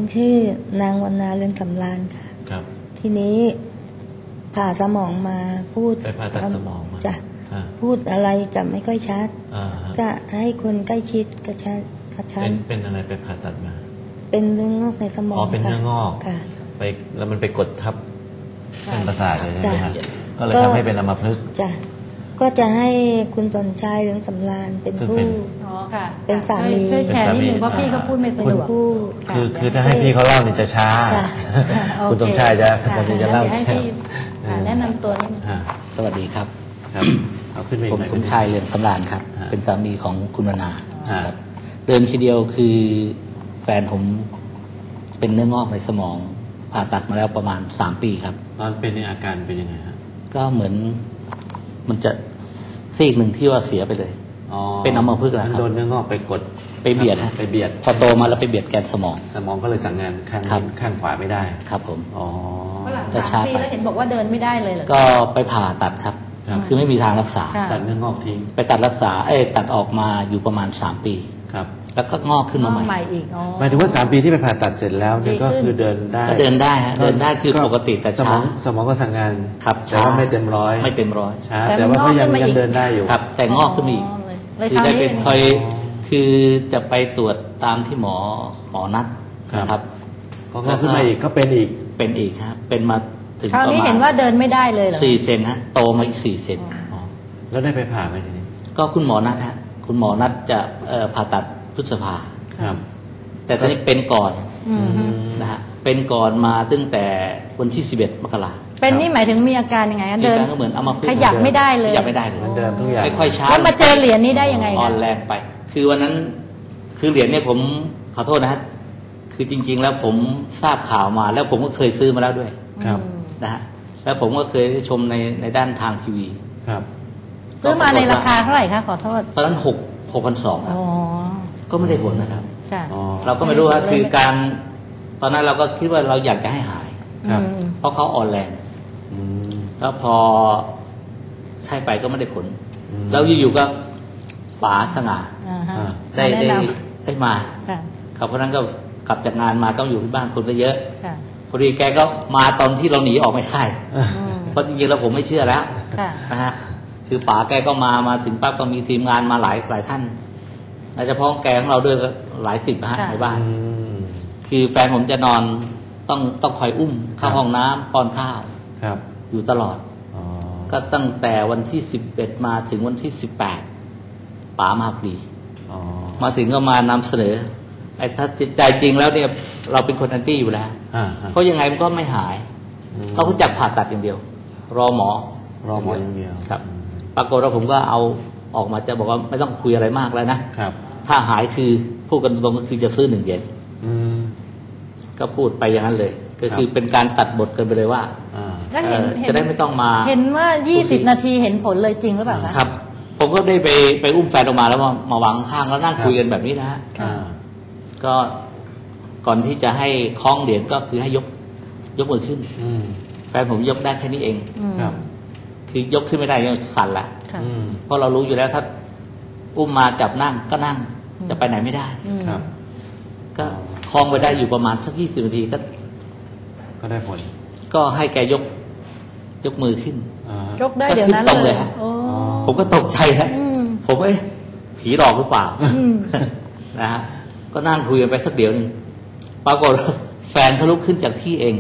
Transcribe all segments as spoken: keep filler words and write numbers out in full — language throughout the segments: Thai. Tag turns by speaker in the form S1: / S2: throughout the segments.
S1: ชื่อนางวรรณาเรืองสำราญค่ะครับทีนี้ผ่าสมองมาพูด
S2: ไปผ่าตัดสมองมา
S1: จะพูดอะไรจะไม่ค่อยชัดก็ให้คนใกล้ชิดกระชันกระชัน
S2: เป็นอะไรไปผ่าตัดมา
S1: เป็นเนื้องอกในสมอง
S2: อ๋อเป็นเนื้องอก
S1: ค่ะ
S2: ไปแล้วมันไปกดทับเส้นประสาทเลยใช่ไหมครับก็เลยทำให้เป็นอัมพฤกษ์
S1: จ้ะก็จะให้คุณสนชัยเรืองสำราญเป็นผู้
S3: อ๋อค่ะ
S1: เป็นสามี
S3: ช่วยแชร์นิดนึงเพราะพี่เขาพูดไม่สะดวก
S2: คือคือถ้าให้พี่เขาเล่าเนี่ยจะช้าคุณสมชายจะจะเล่า
S3: ให้พี่แนะนำตัวนิดนึง
S4: สวัสดีครับ
S2: ผม
S4: สมชายเรืองสำราญครับเป็นสามีของคุณวรรณาครับเดิมทีเดียวคือแฟนผมเป็นเนื้องอกในสมองผ่าตัดมาแล้วประมาณสามปีครับ
S2: ตอนเป็นอาการเป็นยังไงฮะ
S4: ก็เหมือนมันจะซีกหนึ่งที่ว่าเสียไปเลยเป็นอัมพฤกษ์แล้วครับ
S2: โดนเนื้องอกไปกด
S4: ไปเบียดฮะ
S2: ไปเบียด
S4: พอโตมาแล้วไปเบียดแกนสมอง
S2: สมองก็เลยสั่งงานข้างข้างขวาไม่ได้
S4: ครับผม
S2: อ๋อ
S3: ก็ช้าไปแล้วเห็นบอกว่าเดินไม่ได้เลยเหรอ
S4: ก็ไปผ่าตัดครับคือไม่มีทางรักษา
S2: ตัดเนื้องอกทิ้ง
S4: ไปตัดรักษาเอ้ตัดออกมาอยู่ประมาณสามปี
S2: ครับ
S4: แล้วก็งอกขึ้นมาใหม่
S3: อีก
S2: หมายถึงว่าสามปีที่ไปผ่าตัดเสร็จแล้วเนี่ยก็คือเดินได้
S4: เดินได้ฮะเดินได้คือปกติแต่ช้า
S2: สมองก็สั่งงาน
S4: ครับ
S2: แต่ว่าไม่เต็มร้อย
S4: ไม่เต็มร้อย
S2: ช้าแต่ว่าก็ยังยังเดินได้อยู่
S4: ครับแต่งอกขึ้นมาอีกคือได้เป็นคอยคือจะไปตรวจตามที่หมอหมอนัดนะครับ
S2: ก็งอกขึ้นมาอีกก็เป็นอีก
S4: เป็นอีกครับเป็นมาถึง
S3: คราวนี้เห็นว่าเดินไม่ได้เลยเหรอ
S4: สี่เซนฮะโตมาอีกสี่เซน
S2: แล้วได้ไปผ่าไหมทีนี้
S4: ก็คุณหมอนัดฮะคุณหมอนัดจะผ่าตัดพฤษภา
S2: ครับ
S4: แต่ตอนนี้เป็นก่อนนะฮะเป็นก่อนมาตั้งแต่วันที่สิบเอ็ดมกรา
S3: เป็นนี่หมายถึงมีอาการยังไงเดิน
S4: ก็เหมือนอัมพฤกษ์
S3: ขยับไม่ได้เลย
S4: ขยับไม่ได้เลย
S2: เดินทุกอย่าง
S4: ไม่ค่อยช้า
S3: แล้วมาเจอเหรียญนี้ได้ยังไง
S4: อ่อนแรงไปคือวันนั้นคือเหรียญเนี่ยผมขอโทษนะฮะคือจริงๆแล้วผมทราบข่าวมาแล้วผมก็เคยซื้อมาแล้วด้วย
S2: ครับ
S4: นะฮะแล้วผมก็เคยชมในในด้านทางทีวี
S2: ครับ
S3: ซื้อมาในราคาเท่าไหร่คะขอโทษ
S4: ตอนนั้นหกหกพันสองครับก็ไม่ได้ผลนะครับ
S3: ค่ะ
S4: เราก็ไม่รู้ว่าคือการตอนนั้นเราก็คิดว่าเราอยากจะให้หายเพราะเขาอ่อนแรงแล้วพอใช้ไปก็ไม่ได้ผลแล้วอยู่ๆก็ป๋าสง่าได้ได้ได้มาครับเพราะนั้นก็กลับจากงานมาก็อยู่ที่บ้านคนก็เยอะพอดีแกก็มาตอนที่เราหนีออกไม่ได้เพราะจริงๆแล้วผมไม่เชื่อแล้วนะฮะคือป๋าแกก็มามาถึงปั๊บก็มีทีมงานมาหลายหลายท่านโดยเฉพาะแกของเราด้วยก็หลายสิบฮะในบ้านคือแฟนผมจะนอนต้องต้องคอยอุ้มเข้าห้องน้ำป้อนข้าวอยู่ตลอดก็ตั้งแต่วันที่สิบเอ็ดมาถึงวันที่สิบแปดป๋ามาพอดีมาถึงก็มานำเสนอไอ้ถ้าใจจริงแล้วเนี่ยเราเป็นคนแอนตี้อยู่แล้วเพราะยังไงมันก็ไม่หายเราก็จับผ่าตัดอย่างเดียวรอหมอ
S2: รอหมออย่างเดียว
S4: ครับปรากฏว่าผมก็เอาออกมาจะบอกว่าไม่ต้องคุยอะไรมากแล้วนะถ้าหายคือพูดกันตรงก็คือจะซื้อหนึ่งเหรียญก็พูดไปอย่างนั้นเลยก็คือเป็นการตัดบทกันไปเลยว่าจะได้ไม่ต้องมา
S3: เห็นว่ายี่สิบนาทีเห็นผลเลยจริงหรือเปล่า
S4: ครับผมก็ได้ไปไปอุ้มแฟนออกมาแล้วมามาวางข้างแล้วนั่งคุยกันแบบนี้นะฮะก็ก่อนที่จะให้คล้องเหรียญก็คือให้ยกยกมือขึ้นแฟนผมยกได้แค่นี้เองคือยกขึ้นไม่ได้ยังสั่นละเพราะเรารู้อยู่แล้วถ้าอุ้มมาจับนั่งก็นั่งจะไปไหนไม่ได้ก็คล้องไปได้อยู่ประมาณสักยี่สิบนาทีก็
S2: ก็ได้ผล
S4: ก็ให้แกยกยกมือขึ้น
S3: ยกได้เดี๋ยวนั้น
S4: เลย ผมก็ตกใจฮะผมเอ้ผีหลอกหรือเปล่านะฮะก็นั่งคุยกันไปสักเดี๋ยวนึงปรากฏแฟนเขาลุกขึ้นจากที่เอง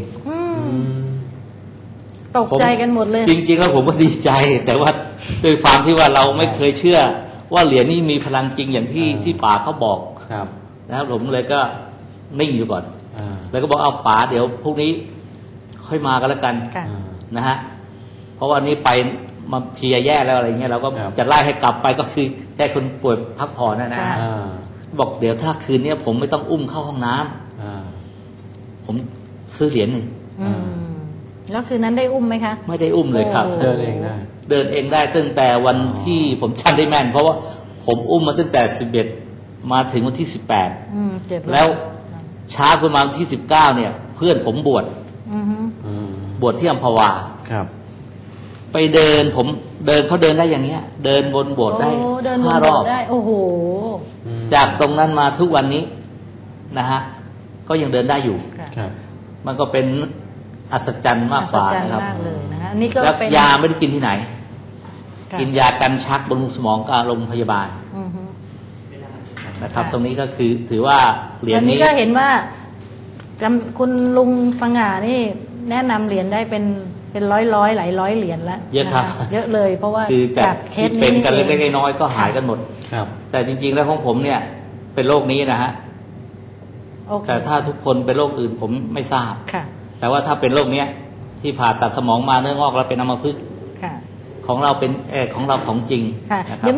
S3: ตกใจกันหมดเลย
S4: จริงๆแล้วผมก็ดีใจแต่ว่าด้วยความที่ว่าเราไม่เคยเชื่อว่าเหรียญนี้มีพลังจริงอย่างที่ที่ป๋าเขาบอกนะครับผมเลยก็นิ่งอยู่ก่อนแล้วก็บอกเอาป๋าเดี๋ยวพรุ่งนี้ค่อยมากันแล้วกันนะฮะเพราะว่านี้ไปมาเพียแย่แล้วอะไรเงี้ยเราก็จะไล่ให้กลับไปก็คือแค่คนป่วยพักผ่อนนะนะบอกเดี๋ยวถ้าคืนนี้ผมไม่ต้องอุ้มเข้าห้องน้ำผมซื้อเหรียญหนึ่ง
S3: แล้วคืนนั้นได้อุ้มไหมคะ
S4: ไม่ได้อุ้มเลยครับ
S2: เดินเองได้
S4: เดินเองได้ตั้งแต่วันที่ผมจำได้แม่นเพราะว่าผมอุ้มมาตั้งแต่สิบเอ็ดมาถึงวันที่สิบแปดแล้วช้าประมาณวันที่สิบเก้าเนี่ยเพื่อนผมบวชบวชที่อัมพวา
S2: ครับ
S4: ไปเดินผมเดินเขาเดินได้อย่างเงี้ยเดินวนโบสถ์ได้ห้ารอบ
S3: ได้โอ้โห
S4: จากตรงนั้นมาทุกวันนี้นะฮะก็ยังเดินได้อยู่
S3: ค่ะ
S2: ครับ
S4: มันก็เป็นอัศจรรย์มากกว่า
S3: อัศจรรย์
S4: นะครับ
S3: มากเลยนะคะอันนี้ก็
S4: แล้ว
S3: เป็น
S4: ยาไม่ได้กินที่ไหน
S3: ค่ะ
S4: กินยากันชักบำรุงสมองกับโรงพยาบาล
S3: อือฮึ
S4: นะครับ
S3: ค่ะ
S4: ตรงนี้ก็คือถือว่าเหรียญ
S3: อันนี้
S4: นี้
S3: ก็เห็นว่าจำคุณลุงสง่านี่แนะนำเหรียญได้เป็นเป็นร้อยร้อยหลายร้อยเหรียญแล้ว
S4: เยอะครับ
S3: นเยอะเลย เพราะว่า
S4: คือจาก
S3: เค
S4: ที่
S3: ส
S4: เป็
S3: นี้
S4: นกันเล็ก
S3: อง
S4: ๆน้อยๆก็หายกันหมด
S2: ครับ
S4: แต่จริงๆแล้วของผมเนี่ยเป็นโรคนี้นะฮะ
S3: โอเค
S4: แต่ถ้าทุกคนเป็นโรคอื่นผมไม่ทราบ
S3: ค่ะ
S4: แต่ว่าถ้าเป็นโรคเนี้ยที่ผ่าตัดสมองมาเนื้องอกแล้วเป็นอัมพฤกษ์
S3: ค่ะ
S4: ของเราเป็นเออของเราของจริง
S3: ค่ะ
S4: นะครับ